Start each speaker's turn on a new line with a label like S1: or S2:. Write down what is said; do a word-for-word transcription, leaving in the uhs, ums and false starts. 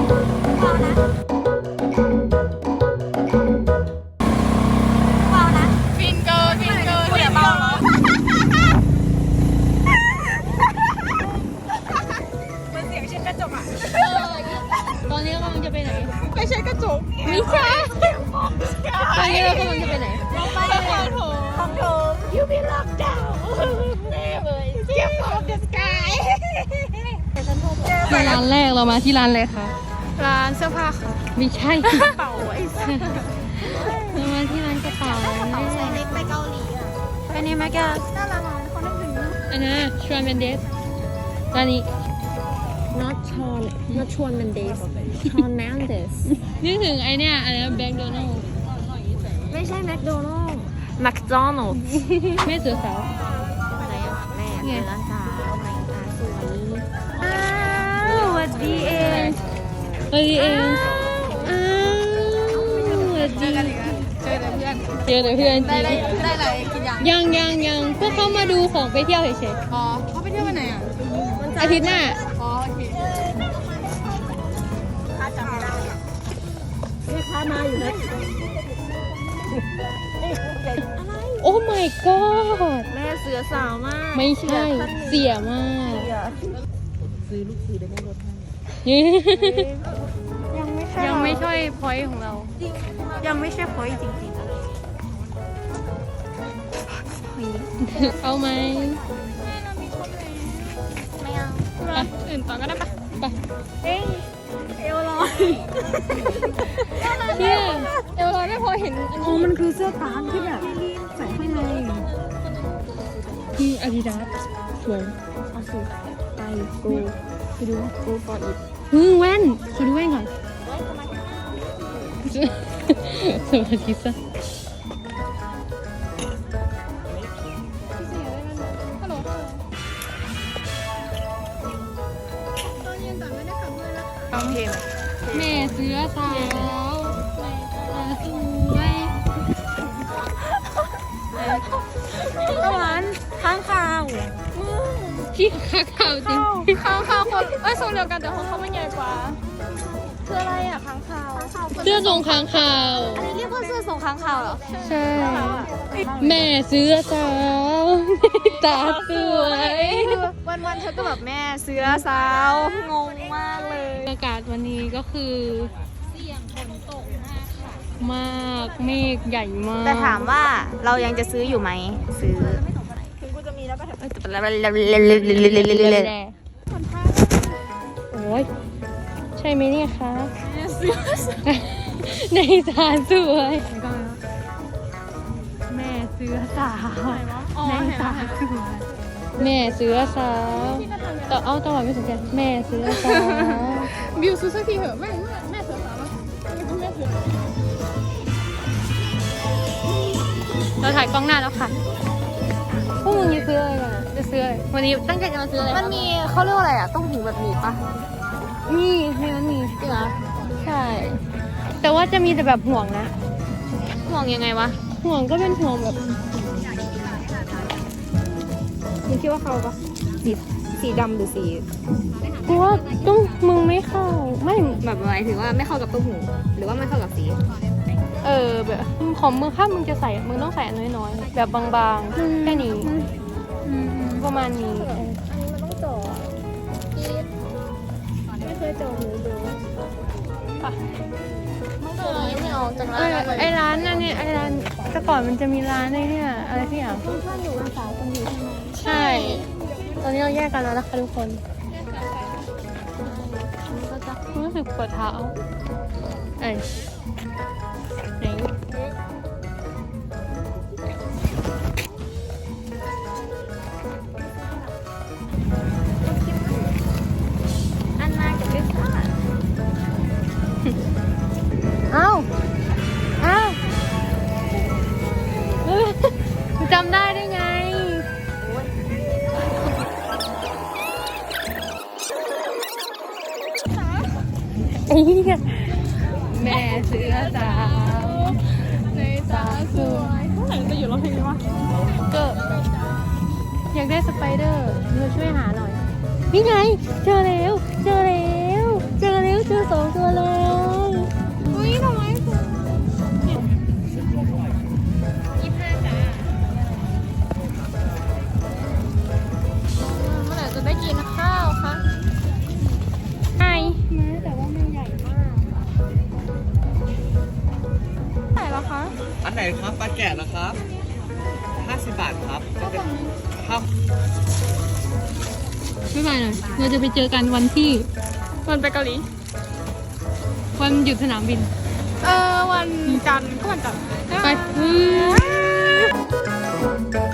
S1: ฟินเกินฟินเกินเดี๋ยวเบาเหรอมันเสียงเช่นกระจกอ่ะ
S2: ตอนนี้เรากำลังจะไปไหน
S1: ไม่ใช่กระจก
S2: ไม่ใช่ตอนนี้เรากำลังจะไปไหน
S1: เราไปคอนโถมคอนโถม You be locked down Step from the sky
S2: ร้านแรกเรามาที่ร้านอะไรคะ
S1: ร้านเสื้อผ้าค่ะ
S2: ไม่ใช่
S1: กระเป๋าไอ้สัส
S2: เรามาที่ร้านกระเป๋า
S1: ใส่เล็กไปเกาหลีอ่ะไปนี่แม่แกน่ารักมากเขาไม่ถึง
S2: อันนั้นชวนเมนเดสร้านนี้
S3: not Sean not Sean Mendes Sean Mendes
S2: นึกถึงไอเนี้ยอะไรนะแบงค์โดนัล
S3: ไม่ใช่แมคโดนัลด์แมคโดนัลด์
S2: แม่เสือสาว
S3: ไหนอ่ะแม่เสือสาวไหนตาสวยอ้าวสวัสดีเอง
S2: เฮ้ยเองอ้าวสวัสดี
S1: เจอแต่เพื่อน
S2: เจอแต่เพื่อนจ
S1: ได้
S2: ริง
S1: ได้ได้อะไรกินยัง
S2: ยังยังยังพวกเขามาดูของไปเที่ยวเฉย
S1: อ๋อเขาไปเที่ยววันไหนอ่ะ
S2: ๆอาทิตย์หน้า
S1: อ๋อโอเคถ้าจำไม่ได้
S3: แม่ค้ามาอยู่นะ
S2: โอ้ my god
S3: แม่เสือสาวมาก
S2: ไม่ใช่เสียมาก
S3: ซื้อลูกซื้อได้แม่รถให้
S1: ยังไม่ใช่
S2: ยังไม่ใช่พอยต์ของเรา
S1: ยังไม่ใช่พอยจริง
S2: เอาไหม
S1: ๆไม่เอา
S2: ไปอื่นต่อก็ได้ปะไป
S1: เอ้ยเอวลอย
S2: เนี่ยเอวลอยไม่พอเห็นอัน
S3: อ๋อ
S2: นี้
S3: มันคือเสื้อตามที่แบบใส่ข้างใน
S2: คืออาดิดาสสวย
S3: เอาสิไป go ไปดู go for it
S2: ฮึแว่นขอดูแว่นก่อนสวัสดีจ้ะ
S1: โอเค
S2: แม่เสือสาวตาสวย
S1: ตะวันข้างข่าว
S2: ที่ขาขาวจริง
S1: ข้างข่าวคนเอ้ยทรงเดียวกันแต่ของเขามันใหญ่กว่าคืออะไรอ่ะข้างข่าว
S2: เสื้อทรงค้างคาว
S1: อันนี้เรียกว่าเสื้อทรงข้างข่าวเหรอ
S2: ใช่ แม่เสือสาวตาสวย
S1: วันวันๆเธอก็แบบแม่เสือสาวงงมากเลย
S2: อากาศวันนี้ก็คือเสี่ยงฝนตกมากเมฆใหญ่มาก
S1: แต่ถามว่าเรายังจะซื้ออยู่ไหมซื้อถึงกูจะมีแล้วก็เถอะ
S2: โอ้ยใช่ไหมเนี่ยคะในสารสวยแม่เสือสาวในสารสวยแม่เสือสาวแต่เอาตลอดไม่สนใจแม่เสือสาว
S1: บิวซื้อสักทีเถอะแม่แม่เสือสาวแม่เสือ
S2: เราถ่ายกล้องหน้าแล้วค่ะพวกมึงจะซื้ออะไรกันจะซื้ออะไรวันนี้ตั้งใจจะมาซื้ออะไร
S1: มันมีเขาเรียกว่าอะไรอ่ะต้องหูแบบหนีบปะ
S2: มีในนั้นมี
S1: จริงเหรอ
S2: ใช่ แต่ว่าจะมีแต่แบบห่วงนะ
S1: ห่วงยังไงวะ
S2: ห่วงก็เป็นห่วงแบบ
S3: มึงคิดว่าเขาปะสีสีดำหรือสี
S2: กูว่าต้องมึงไม่เข้าไม่
S3: แบบหมายถึงว่าไม่เข้ากับตัวหูหรือว่าไม่เข้ากับสี
S2: เออแบบของมึงถ้ามึงจะใส่มึงต้องใส่อันน้อยๆแบบบางๆแค่นี้ประมาณนี้เออ
S3: มันต้องจ่อไม่เคยจ่อหูดู
S1: ไม่ออกจาก
S2: เอ
S1: ร้าน
S2: อไอร้านนั่นเนี่ยไอร้านแต่ก่อนมันจะมีร้านไอเนี่ยอะไรที่อย่าง
S3: คุณท่านอยู่วันเสาร์คนอยู่ใช่ไหม
S2: ใช่ ตอนนี้เราแยกกันแล้วนะคะทุกคนก็จะรู้สึกปวดเท้าเอ้ยไหน
S3: อันนากับลิซ่า
S2: เอ้าเอ้าจำได้ได้ไงไอ้เหี้ยแม่เสือสาวในตาสวยเท่าไหร่จะอยู่ร้องเพลงนี้วะก็อยากได้สไปเดอร์เธอช่วยหาหน่อยนี่ไงเจอแล้วเจอแล้วเจอแล้วเจอสองตัวอคะ
S4: อันไหนครับปลาแกะนะครับห้าสิบบาทครับจะเป็นข้าว
S2: ไม่ไปหน่อยเราจะไปเจอกันวันที่วันไปเกาหลีวันหยุดสนามบิน
S1: เออวันจันทร์ก็วันจันทร์
S2: ไป